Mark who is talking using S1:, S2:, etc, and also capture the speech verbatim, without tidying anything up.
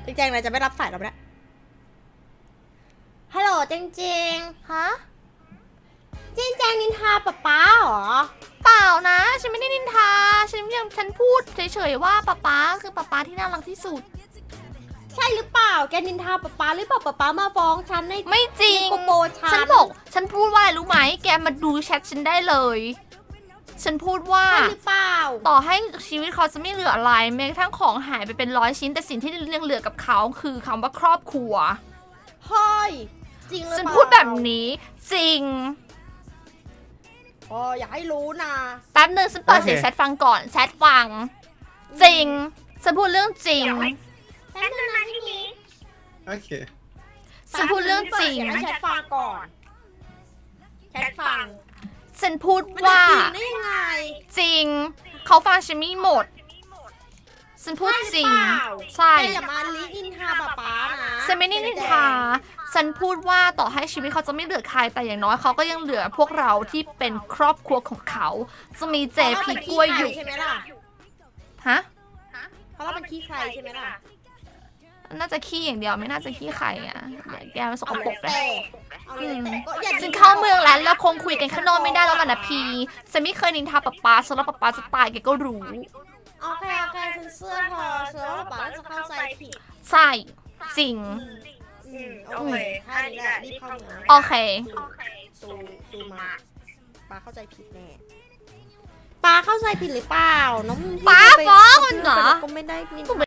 S1: จริงๆเลยจะไม่รับสายเราแล้วฮัลโหลจริงๆฮะจริงแจงนินทาป๊าป๊าเหรอ
S2: เปล่านะฉันไม่ได้นินทาฉันยังฉันพูดเฉยๆว่าป๊าป๊าคือป๊าป๊าที่น่ารักที่สุด
S1: ใช่หรือเปล่าแกนินทาป๊าป๊าหรือเปล่าป๊าป๊ามาฟ้องฉันใน
S2: ไม่จริง
S1: โกโบฉัน
S2: ฉันบอกฉันพูดว่าอะไรรู้ไหมแกมาดูแชทฉันได้เลยฉันพูดว่า
S1: ใช่หรือเปล่า
S2: ต่อให้ชีวิตเขาจะไม่เหลืออะไรแม้กระทั่งของหายไปเป็นร้อยชิ้นแต่สิ่งที่ยังเหลือกับเขาคือคำว่าครอบครัว
S1: เฮ้ยจริงหรือเปล่า
S2: ฉันพูดแบบนี้จริง
S1: อ๋ออย่าให้รู้นะ
S2: แป๊บนึงฉันเปิดเสียงแชทฟังก่อนแชทฟังจริงฉันพูดเรื่องจริง
S1: แป๊บนึงนะพี่นี้
S3: โอเค
S2: ฉันพูดเรื่องจริง
S1: ให้แชทฟังก่อนแชทฟัง
S2: ฉันพูดว่า
S1: จริงได้ยังไง
S2: จริงเขาฟังฉันไม่หมดฉันพูดจริงใช่
S1: แกอย่ามาลิอินทาป๊าป๊านะ
S2: ฉันไม่ได้นินทาฉันพูดว่าต่อให้ชีวิตเขาจะไม่เหลือใครแต่อย่างน้อยเขาก็ยังเหลือพวกเราที่เป็นครอบครัวของเขาจะมีเจพีกล้วยอยู่
S1: ใช่ไหมล่ะ
S2: ฮะ
S1: เพราะเราเป็นขี้ใครใช่ไหมล่ะ
S2: น่าจะขี้อย่างเดียวไม่น่าจะขี้ไข่อ่ะเดี๋ยวแกมันสกปรกเลย
S1: เอาเลยแต่ก็อย่า
S2: ฉันเข้าเมืองแล้วแล้วคงคุยกันข้างนอกไม่ได้แล้วล่ะนะพีฉันไม่เคยนินทาป๊าป๊าฉันแล้วป๊าป๊าจะตายแกก็รู้
S1: โอเคโอเคฉันเสื้อพอเสื้อป๊าป๊าจะเข้าใจผิด
S2: ใช่จริง
S1: อืมโอเคถ้านี้แหละรีบเข้าเมือง
S2: โอเค
S1: ซูซูมาป๊าเข้าใจผิดแน่ป๊าเข้าใจผิดหรือเปล่าน้อง
S2: ป๊าฟ้องมันเหรอ
S1: ก็ไม่ได้นินทา